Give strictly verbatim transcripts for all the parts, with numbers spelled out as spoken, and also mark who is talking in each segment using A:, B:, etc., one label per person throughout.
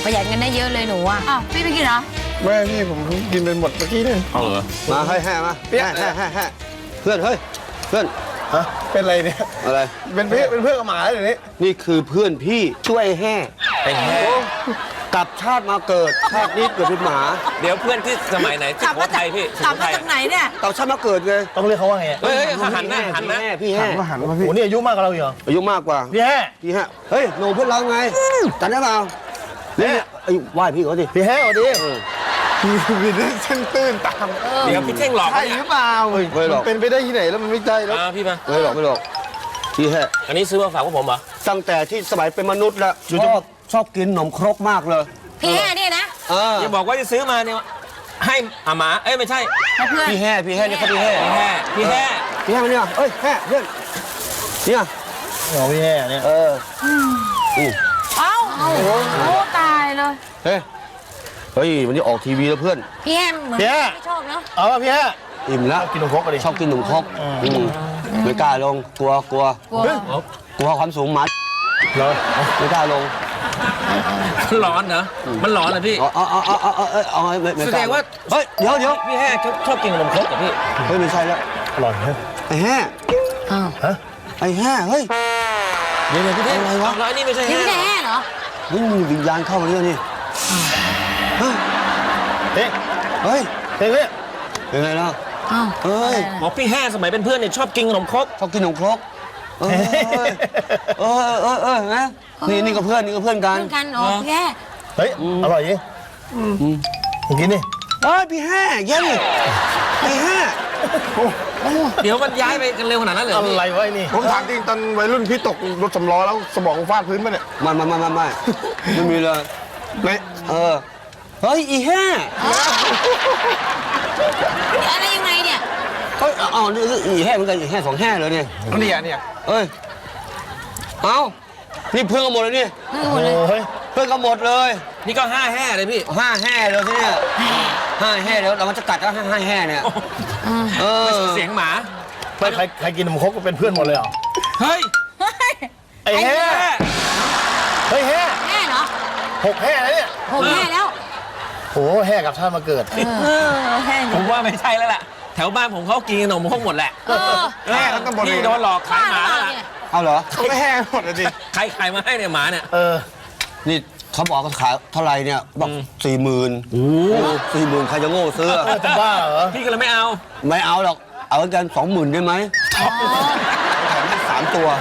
A: ประหยัดเงินได้เยอะเลยหนูอ่ะ
B: อ้าวพี่ไม่กินเหรอ
C: ไม่พี่ผมกินเป็นหมดเมื่อกี้เลย
D: เอาเหรอ
E: มาให้แห่มาแห่แห่แห่แห่เพื่อนเฮ้ยเพื่อน
C: ฮะเป็นอะไรเนี่ย
E: อะไร
C: เป็นเพื่อนเป็นเพื่อนกับหมาเดี๋ยวนี้
E: นี่คือเพื่อนพี่ช่วยแห่
D: ไอ้แห่
E: กลับชาติมาเกิดชาตินี้เกิดเป็นหมา
D: เดี๋ยวเพื่อนที่สมัยไหน
B: ก
D: ที่
B: ลับ
D: หัว
B: มา
D: ไท
B: จาก
D: ยพี่
B: กลับ
D: สุโข
B: มา
D: ทัย
B: จากไหนเนี่ย
E: กลับชาติมาเกิดไง
F: ต้องเรียกเขาว่าไง
D: เฮ้ยเฮ้ยหันนะหันนะ
E: พี่แห่พี่แห่
C: ก็หันมาพี่
F: โอ้นี่อายุมากกว่าเราอีกเหรอ
E: อายุมากกว่า
F: พี่แห่
E: พี่แห่เฮ้ยหนูเพื่อนเราไงจำได้เปล่าเนี่ยไอ้ไหว้พี่เขาดิ
F: พี่แห่สวัสดี
C: พี่พี่เรื่องเส้นตื้นตาม
D: เดี๋ยวพี่เท่งหลอก
C: ใช่
D: เขา
C: ห
D: เนี่ย
C: รือเปล่า
E: ไม่หรอก
C: มันเป็นไปได้ที่ไหนแล้วมันไม่ใช่แล้ว
D: อ่าพี่มา
E: ไม่หรอกไม่หรอกพี่แห่
D: อันนี้ซื้อมาฝากพวกผมเหรอ
E: ตั้งแต่ที่สมัยเป็นมนุษย์แล้วชอบชอบกินขนมครกมากเลย
A: พี่แห่เนี่ยนะ
E: เออ
D: อย่าบอกว่าจะซื้อมาเนี่ยให้อาหมาเอ้ยไม่ใช่
B: ให้เพื่อน
E: พี่แห่พี่แห่นี่เขาพี่แห่
D: พี่แห่พี่แห่
E: พี่แห่มาเนี่ยเอ้ยแห่เพื่อนเนี่ย
F: โอ้พี่แห่เนี่ย
E: เออ
B: เอ้าโอ้โหตายเลย
E: เฮ้ยเฮ้ยวันนี้ออกทีวีแล้วเพื่อน
A: พี่แห่เหมือน
F: พี่แห่
A: ไม่ชอบเนาะ
F: เอาป่ะพี่แห่
E: อิ่มแล้ว
F: กินนมครกกันดิ
E: ชอบกินขนมครกอืมไม่กล้าลงกลัวกลัว
A: กลัว
E: กลัวความสูงหมัด
F: เหรอ
E: ไม่กล้าลง
D: มันร้อนเหรอมันร้อนเหรอพี่
E: เอาเอาเอาเอาเอาเอาเอาไม่ไม่
D: แส
E: ก
D: ด
E: ล้าง
D: ว่า
E: เฮ้ยเดี๋ยวเดี๋ยว
D: พี่แห่ชอบชอบกินขนมครกกับพี่
E: เฮ้ยไม่ใช่แล้ว
F: อร่อยนะ
E: ไอ้แห่
A: อ้าว
F: ฮะ
E: ไอ้แห่เฮ้ย
D: เดี๋ยวเดี๋ยวพี่เท่ง
E: อะไรวะ
D: แล้วอันนี้ไม่ใช่
A: นี่
D: แห่
A: พี่แห่เหรอ
E: เฮ้ยมีวิญญาณเข้ามาเนี่ยนี่เฮ้ย
F: เฮ้ย
E: เฮ้ย
F: เฮ้ยเนี่ย
E: เป็นไงล่ะ
A: อ้าว
E: เฮ้ย
D: บอกพี่แห่สมัยเป็นเพื่อนเนี่ยชอบกินขนมครก
E: ชอบกินขนมครกเออเออเออเออนะนี่นี่ก็เพื่อนนี่ก็เพื่อนกัน
A: เพื่อนกันอ๋อพี่แห่
F: เฮ้ยอร่อยจริงผมกินดิ
E: เฮ้ยพี่แห่เย็นไอ้แห่
D: เดี๋ยวมันย้ายไปกันเร็วขนาดนั้นเลย
F: อะไรวะไอ้นี่
C: ผมถามจริงตอนวัยรุ่นพี่ตกรถสำล้อแล้วสมองฟาดพื้นปะเนี่ย
E: ไม่ไม่ไม่ไม่ไม่ไม่มีเลย
C: ไม่
E: เออเฮ้ยอีแห่
A: อะไรยังไงเนี่ย
E: เฮ้ยเอานี่อีแห่เหมือนกันอีแห่สองแห่เลยเนี่ย
C: เนี่ยเนี่ย
E: เอ้ยเอานี่เพื่อนกันหมดเลยนี่
A: เพื่อนหมดเลย
F: โอ้ย
E: เพื่อนกันหมดเลย
D: นี่ก็ห้าแห่เลยพี่
E: ห้าแห่เลยที่เนี่ยห้าแห่แล้วเรามันจะกัดแล้วห้าห้าแห่เนี่ยเออ
D: เสียงหมา
F: ไม่ใครใครกินนมครกก็เป็นเพื่อนหมดเลยเหรอ
D: เฮ้ย
F: ไอ้แห่เฮ้ยแห่
A: แห่เหรอ
F: หกแห่แล้วเนี่ย
A: ผมแห่แล้ว
F: โอ้แห่กับชาติมาเกิด
B: เออแห้ง
D: ผมว่าไม่ใช่แล้วล่ะ แถวบ้านผมเขากินขนมครกหมดแหละ
A: เออ
C: แห่ทั้งตำบลเลย
D: พี่โดนหลอกขายหมาแล้วล่ะ
E: เอาเหรอ
C: เขาไม่แห่หมดเลยดิ
D: ใครขายมาให้เนี่ยหมาเนี่ย
F: เออ
E: นี่เขาบอกเขาขายเท่าไหร่เนี่ยบอกสี่หมื่นสี่หมื่นใครจะโง่ซื้อ
F: เออจะบ้าเหรอ
D: พี่ก็เลยไม่เอา
E: ไม่เอาหรอกเอากันสองหมื่นได้ไหมแถมให้สามตัว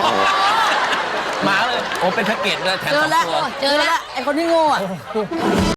D: หมาเลย โอ้เป็นแพ็กเกจเลยแถม
B: เจ
D: ส
B: อ
D: อง
B: แล้ว
D: ตัว
B: เจอแล้วไอ้คนที่โง่อะ